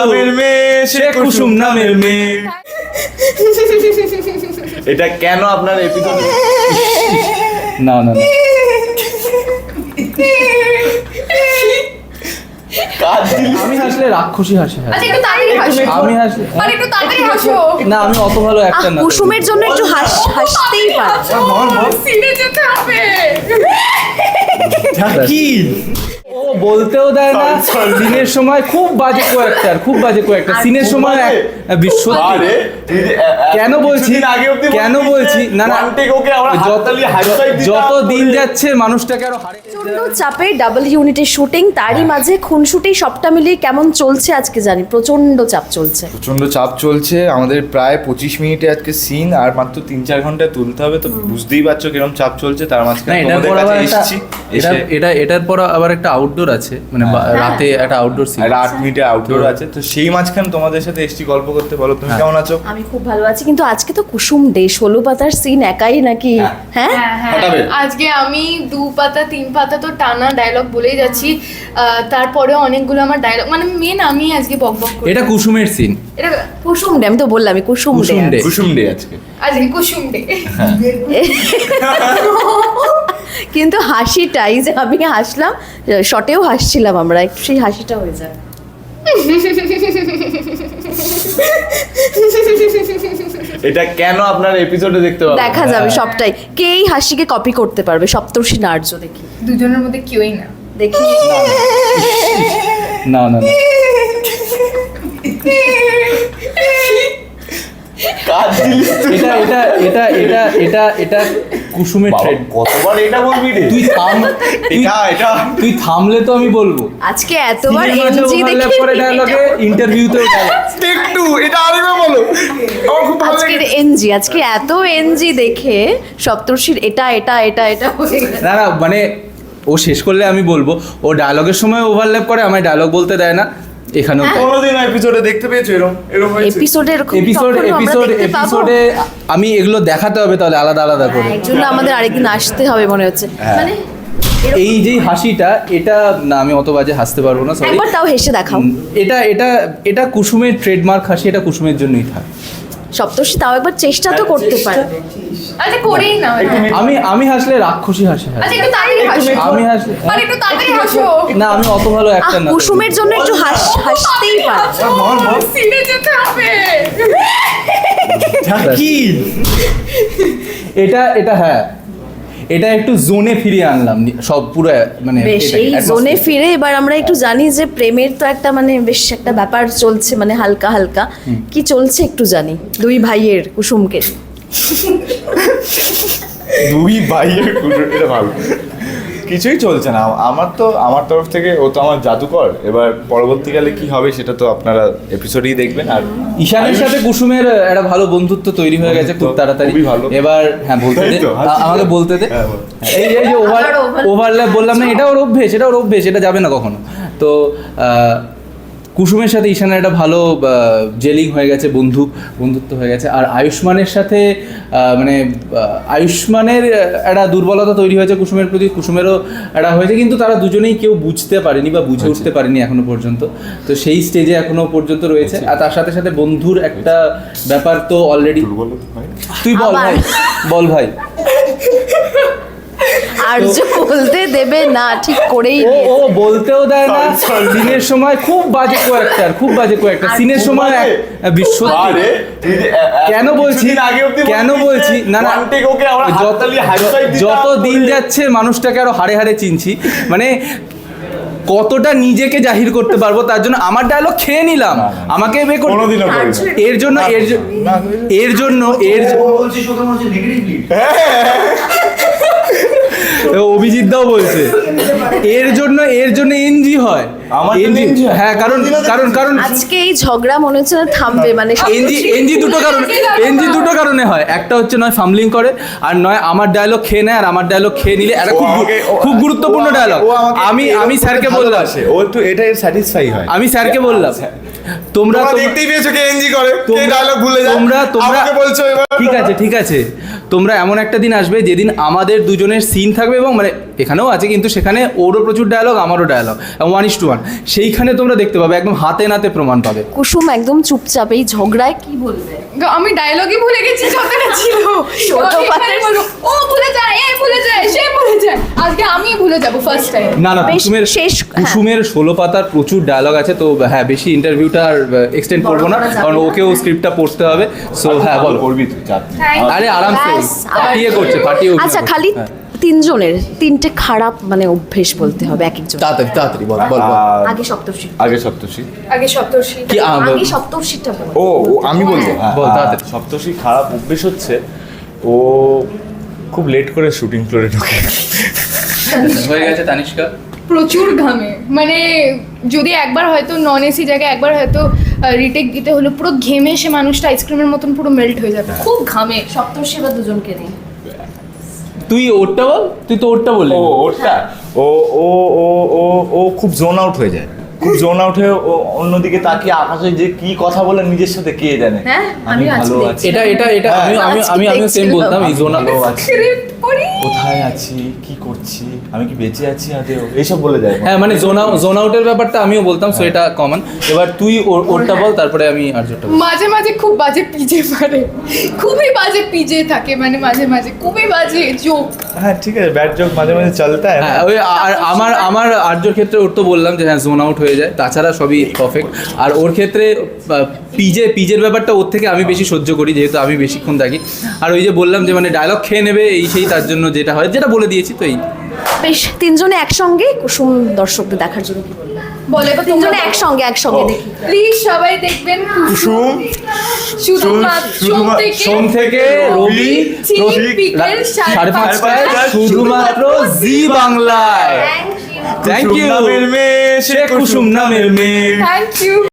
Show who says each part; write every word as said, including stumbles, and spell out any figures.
Speaker 1: নামের মেয়ে, সে কুসুম নামের মেয়ে। এটা কেন আপনার এপিসোড?
Speaker 2: না না না। আমি হাসলে রাক্ষসী হাসি হাসি।
Speaker 3: আচ্ছা একটু তাড়াতাড়ি হাসো।
Speaker 2: আমি হাসলে
Speaker 3: আরে একটু তাড়াতাড়ি হাসো।
Speaker 2: না, আমি অত ভালো একটা না।
Speaker 4: কুসুমের জন্য একটু হাস হাসতেই পারে।
Speaker 3: সিনে যেতে হবে।
Speaker 1: কি
Speaker 2: ও বলতেও দেয় না। সিনের সময় খুব বাজে কয়েকটার, খুব বাজে কয়েকটা সিনের সময় বিশ্ব।
Speaker 1: আরে
Speaker 2: কেন বলছি কেন বলছি না না, যত দিন যাচ্ছে মানুষটাকে আরো হারে।
Speaker 4: প্রচন্ড চাপে ডাবল ইউনিটের শুটিং, তারই মাঝে খুনসুটি, সবটা মিলিয়ে কেমন চলছে আজকে জানি প্রচন্ড চাপ চলছে।
Speaker 5: প্রচন্ড চাপ চলছে আমাদের। প্রায় পঁচিশ মিনিটে আজকে সিন, আর মাত্র তিন চার ঘন্টায় তুলতে হবে, তো বুঝতেই পারছো কিরকম চাপ চলছে। তার
Speaker 2: না,
Speaker 5: মাঝখানে
Speaker 2: এটার
Speaker 5: তোমাদের
Speaker 2: পর আবার
Speaker 5: কাছে
Speaker 2: একটা
Speaker 5: এসেছি,
Speaker 2: এটা
Speaker 5: এসে
Speaker 2: এটা এটার পর আবার একটা আউটডোর আছে, মানে বা- রাতে একটা আউটডোর সিন।
Speaker 5: একটা আট মিনিটে আউটডোর আছে, তো সেই মাঝখানে তোমাদের সাথে এসেছি গল্প করতে। বলো তুমি কেমন আছো?
Speaker 4: আমি খুব ভালো আছি, কিন্তু আজকে তো কুসুম ডে, ষোলো পাতার সিন একাই নাকি? হ্যাঁ
Speaker 3: হ্যাঁ হ্যাঁ
Speaker 5: হটাবে।
Speaker 3: আজকে আমি দু পাতা তিন পাতা তো টানা ডায়লগ বলেই যাচ্ছি। আহ, তারপরে অনেকগুলো আমার ডায়লগ, মানে মেন আমি আজকে বক বক করি।
Speaker 2: এটা কুসুমের সিন।
Speaker 3: এটা
Speaker 4: কুসুম ডে, আমি তো বললাম Kusum day.
Speaker 2: Kusum day.
Speaker 5: Kusum day আজকে।
Speaker 3: আজকে কুসুম ডে।
Speaker 4: কিন্তু হাসিটাই যে আমি হাসলাম, শটেও হাসছিলাম আমরা, একটু সেই হাসিটা হয়ে যায়।
Speaker 1: এটা কেন আপনার এপিসোডে দেখতে পাবেন?
Speaker 4: দেখা যাবে সবটাই। কে এই হাসিকে কপি করতে পারবে? সপ্তর্ষি নার্য দেখি
Speaker 3: দুজনের মধ্যে কেউই না।
Speaker 4: দেখি
Speaker 2: না না না।
Speaker 1: কাজ দিলি
Speaker 2: এটা এটা এটা এটা এটা এটা কুসুমের
Speaker 1: বাবা,
Speaker 2: ট্রেড।
Speaker 1: কতবার এটা বলবি রে?
Speaker 2: তুই থাম, তুই-
Speaker 1: এটা এটা
Speaker 2: তুই থামলে তো আমি বলবো।
Speaker 4: আজকে এতবার
Speaker 2: সিনেমাতে
Speaker 4: এনজি
Speaker 2: overlap
Speaker 4: দেখে
Speaker 2: করে ডায়লগে, ইন্টারভিউতেও ডায়লগ।
Speaker 5: একটু এটা আরেকবার বলো, আমার খুব ভালো
Speaker 4: আজকের এনজি, আজকে এত এনজি দেখে সপ্তর্ষির এটা এটা এটা এটা হয়ে গেছে।
Speaker 2: না না, মানে ও শেষ করলে আমি বলবো। ও ডায়লগের সময় ওভারল্যাপ করে, আমায় ডায়লগ বলতে দেয় না। এখানেও তাই।
Speaker 5: কোনোদিন এপিসোডে দেখতে পেয়েছো এরকম এরকম হয়েছে?
Speaker 4: এপিসোডে এরকম
Speaker 2: এপিসোড
Speaker 4: কখনো আমরা
Speaker 2: এপিসোড
Speaker 4: দেখতে পাবো?
Speaker 2: এপিসোডে আমি এগুলো দেখাতে হবে তাহলে আলাদা আলাদা করে।
Speaker 4: এর জন্য আমাদের আরেকদিন আসতে হবে মনে হচ্ছে। মানে
Speaker 2: এই যে হাসিটা, এটা না, আমি অত বাজে হাসতে পারবো না, সরি।
Speaker 4: একবার তাও হেসে দেখাও।
Speaker 2: এটা এটা এটা কুসুমের ট্রেডমার্ক হাসি, এটা কুসুমের জন্যই থাকে।
Speaker 4: সপ্তর্ষি তাও একবার চেষ্টা তো করতে পারবে।
Speaker 3: আচ্ছা করেই না।
Speaker 2: আমি আমি হাসলে রাক্ষসী হাসি হাসি।
Speaker 3: আচ্ছা একটু তাড়াতাড়ি হাসো।
Speaker 2: আমি হাসলে
Speaker 3: আরে একটু তাড়াতাড়ি হাসো।
Speaker 2: না, আমি অত ভালো
Speaker 4: আহ,
Speaker 2: একটা না।
Speaker 4: কুসুমের জন্য একটু হাস হাসতেই পারে।
Speaker 3: সিনে যেতে হবে।
Speaker 1: কি
Speaker 2: এটা এটা হ্যাঁ, এটা একটু জোনে ফিরিয়ে আনলাম সব পুরো, মানে
Speaker 4: বেশ
Speaker 2: এটাকে,
Speaker 4: এই
Speaker 2: atmosphere।
Speaker 4: জোনে ফিরে এবার আমরা একটু জানি যে প্রেমের তো একটা মানে বেশ একটা ব্যাপার চলছে, মানে হালকা হালকা কি চলছে একটু জানি দুই ভাইয়ের কুসুমকে।
Speaker 5: দুই ভাইয়ের কুসুম, এটা ভালো। কিছুই চলছে না আমার তো, আমার তরফ থেকে। ও তো আমার জাদুকর। এবার পরবর্তীকালে কি হবে সেটা তো আপনারা এপিসোডেই দেখবেন। আর
Speaker 2: ঈশানের সাথে কুসুমের একটা ভালো বন্ধুত্ব তৈরি হয়ে গেছে খুব
Speaker 5: বন্ধুত্ব,
Speaker 2: তাড়াতাড়ি।
Speaker 5: খুবই ভালো।
Speaker 2: এবার হ্যাঁ বলতে দে,
Speaker 5: তাই তো,
Speaker 2: আ- আমাকে বলতে দে।
Speaker 5: হ্যাঁ, বল।
Speaker 2: এই যে- এই যে ওভার
Speaker 4: আবার overlap।
Speaker 2: ওভারল্যাপ বললাম না, এটা ওর অভ্যেস, এটা ওর অভ্যেস, এটা যাবে না কখনো। তো আহ, কুসুমের সাথে ঈশানের একটা ভালো জেলিং হয়ে গেছে, বন্ধু বন্ধুত্ব হয়ে গেছে। আর আয়ুষ্মানের সাথে আহ, মানে আহ, আয়ুষ্মানের একটা দুর্বলতা তৈরি হয়েছে কুসুমের প্রতি, কুসুমেরও একটা হয়েছে, কিন্তু তারা দুজনেই কেউ বুঝতে পারেনি বা বুঝে উঠতে পারেনি এখনো পর্যন্ত। তো সেই স্টেজে এখনো পর্যন্ত রয়েছে। আর তার সাথে সাথে বন্ধুর একটা ব্যাপার তো অলরেডি। তুই বল
Speaker 4: আবার।
Speaker 2: ভাই, বল ভাই।
Speaker 4: আর্য বলতে দেবে না, ঠিক করেই
Speaker 2: ও
Speaker 4: নিয়েছে।
Speaker 2: ও বলতেও দেয় না। সিনের সময় খুব বাজে কয়েকটার, খুব বাজে কয়েকটা সিনের সময় এক- বিশ্ব।
Speaker 1: আরে
Speaker 2: কেন বলছি কেন বলছি না না,
Speaker 1: ওকে আমরা
Speaker 2: যত-
Speaker 1: হাততালি হাই ফাইভ
Speaker 2: যত দিন যাচ্ছে মানুষটাকে আরো হাড়ে হাড়ে চিনছি, মানে কতটা নিজেকে জাহির করতে পারবো তার জন্য আমার ডায়লগ খেয়ে নিলাম, আমাকে বে করতে।
Speaker 1: কোনোদিনও করি না।
Speaker 2: এর জন্য এর জ- এর জন্য এর জ- অভিজিৎ দাও বলছে এর জন্য এর জন্য এনজি হয়।
Speaker 1: আমার জন্য
Speaker 2: NG
Speaker 1: NG হয়?
Speaker 2: হ্যাঁ, কারণ কারণ কারণ
Speaker 4: আজকে এই ঝগড়া মনে হচ্ছে না থামবে, মানে
Speaker 2: এনজি এনজি দুটো কারণ এনজি দুটো কারণে হয়। একটা হচ্ছে নয় ফাম্বলিং করে, আর নয় আমার ডায়লগ খেয়ে নেয়। আর আমার ডায়লগ খেয়ে নিলে একটা
Speaker 5: ও
Speaker 2: খুব
Speaker 5: আমাকে- ও-
Speaker 2: খুব গুরুত্বপূর্ণ
Speaker 5: ও আমাকে-
Speaker 2: ডায়লগ।
Speaker 5: ও আমাকে
Speaker 2: আমি
Speaker 5: এরকম
Speaker 2: আমি
Speaker 5: করে
Speaker 2: স্যারকে বললাম,
Speaker 5: ভালোবাসে। ও একটু এটা স্যাটিসফাই হয়।
Speaker 2: আমি স্যারকে বললাম তোমরা
Speaker 5: তোমরা
Speaker 2: তোমরা-
Speaker 5: দেখতেই পেয়েছো কে এনজি করে, কে
Speaker 2: তোমরা-
Speaker 5: ডায়লগ ভুলে যায়।
Speaker 2: তোমরা তোমরা
Speaker 5: আমাকে বলছো এবার।
Speaker 2: ঠিক আছে ঠিক আছে তোমরা এমন একটা দিন আসবে যেদিন আমাদের দুজনের সিন থাকবে, এবং মানে এখানেও আছে, কিন্তু সেখানে ওরও প্রচুর ডায়লগ, আমারও dialogue, one is to one. সেইখানে তোমরা দেখতে পাবে, একদম হাতে নাতে প্রমাণ পাবে।
Speaker 4: কুসুম একদম চুপচাপ, এই ঝগড়ায় কি বলবে?
Speaker 3: আমি ডায়লগই ভুলে গেছি যতটা ছিল।
Speaker 4: ছোট
Speaker 3: এখানে
Speaker 4: পাতের-
Speaker 3: বলবো, ও ভুলে যায়, এ ভুলে যায়, সে ভুলে যায়, আজকে আমি ভুলে যাবো ফার্স্ট টাইম।
Speaker 2: না না,
Speaker 4: বেশ
Speaker 2: কুসুমের
Speaker 4: শেষ, হ্যাঁ।
Speaker 2: কুসুমের ষোলো পাতার প্রচুর ডায়লগ আছে, তো হ্যাঁ বেশি ইন্টারভিউটা আর এক্সটেন্ড
Speaker 4: বড়
Speaker 2: করবো না,
Speaker 4: করা যাবে
Speaker 2: কারণ
Speaker 4: না।
Speaker 2: ওকেও স্ক্রিপ্টটা পড়তে হবে। সো হ্যাঁ বলো।
Speaker 5: করবি তুই চাপ নেই।
Speaker 3: Thank you.
Speaker 2: আরে আরামসে
Speaker 4: ব্যাস, আবার-
Speaker 2: পাঠিয়ে করছে, পাঠিয়ে অভিনয়
Speaker 4: আচ্ছা,
Speaker 2: করছে।
Speaker 4: খালি
Speaker 2: হ্যাঁ।
Speaker 4: তিনজনের তিনটে খারাপ মানে অভ্যেস বলতে হবে এক একজন।
Speaker 2: তাড়াতাড়ি তাড়াতাড়ি বল বল বল।
Speaker 5: আর
Speaker 4: আগে সপ্তর্ষি,
Speaker 5: আগে সপ্তর্ষি।
Speaker 3: আগে সপ্তর্ষি।
Speaker 2: কি আ, বল।
Speaker 4: আগে সপ্তর্ষিটা বল।
Speaker 5: ও ও, আমি বলবো হ্যাঁ,
Speaker 2: বল,
Speaker 5: আহ,
Speaker 2: তাড়াতাড়ি।
Speaker 5: সপ্তর্ষি খারাপ অভ্যেস হচ্ছে ও খুব লেট করে শুটিং ফ্লোরে ঢোকে।
Speaker 2: হয়ে গেছে তানিষ্কা।
Speaker 3: প্রচুর ঘামে, মানে যদি একবার হয়তো নন এসি জায়গায় একবার হয়তো রিটেক দিতে হলো, পুরো ঘেমে সে মানুষটা আইসক্রিমের মতন পুরো মেল্ট হয়ে যাবে, খুব ঘামে।
Speaker 4: সপ্তর্ষি বা দুজনকে দিই।
Speaker 2: তুই ওরটা বল, তুই তো ওরটা বললি।
Speaker 5: ও ওটা ও ও ও ও ও খুব জোন আউট হয়ে যায়, খুব জোন আউট হয়ে ও অন্যদিকে তাকিয়ে আকাশে যে কি কথা বলে নিজের সাথে কে জানে।
Speaker 4: হ্যাঁ,
Speaker 5: আমি
Speaker 4: আমিও আজকে
Speaker 5: ভালো
Speaker 4: দেখছি।
Speaker 5: আছি,
Speaker 2: এটা এটা এটা
Speaker 5: হ্যাঁ।
Speaker 2: আমি আমি আমি আমিও সেম বলতাম, এই জোন
Speaker 5: ভালো আছি,
Speaker 3: স্ক্রিপ্ট পড়ি।
Speaker 5: কোথায় আছি, কি করছি, আমি কি বেঁচে আছি আদেও, এইসব বলে যায়।
Speaker 2: হ্যাঁ মানে জোন আউট জোন আউটের ব্যাপারটা আমিও বলতাম, সো এটা কমন। এবার তুই ওর- ওরটা বল, তারপরে আমি আর্যটা বলবো।
Speaker 3: মাঝে মাঝে খুব বাজে পিজে পারে, খুবই বাজে পিজে থাকে, মানে মাঝে মাঝে খুবই বাজে জোক।
Speaker 5: হ্যাঁ ঠিক আছে, ব্যাড জোক মাঝে মাঝে চলতা है
Speaker 2: হ্যাঁ ওই আর আমার আমার আর্যর ক্ষেত্রে ওর তো বললাম যে হ্যাঁ জোন আউট হয়ে যায়, তাছাড়া সবই পারফেক্ট। আর ওর ক্ষেত্রে পিজে পিজের ব্যাপারটা ওর থেকে আমি বেশি সহ্য করি, যেহেতু আমি বেশিক্ষণ থাকি। আর ওই যে বললাম যে মানে ডায়লগ খেয়ে নেবে এই সেই, তার জন্য যেটা হয় যেটা বলে দিয়েছি তো এই।
Speaker 4: বেশ, তিনজনে একসঙ্গে কুসুম দর্শকদের দেখার জন্য কি বলবে?
Speaker 3: বলে বা
Speaker 4: তিনজনে একসঙ্গে একসঙ্গে
Speaker 5: ও।
Speaker 4: দেখি।
Speaker 3: প্লিজ সবাই দেখবেন
Speaker 5: কুসুম
Speaker 3: শুধুমাত্র সোম
Speaker 5: শুধুমা-
Speaker 3: থেকে
Speaker 2: সোম থেকে রবি
Speaker 3: ঠিক
Speaker 2: প্রতি
Speaker 3: বিকেল
Speaker 2: রাত
Speaker 3: সাড়ে
Speaker 2: সাড়ে পাঁচটায়
Speaker 5: পাঁচটায়
Speaker 2: শুধুমাত্র জি বাংলায়। Thank
Speaker 5: Kusum
Speaker 2: you.
Speaker 5: নামের মেয়ে,
Speaker 2: সে কুসুম নামের মেয়ে।
Speaker 3: Thank you.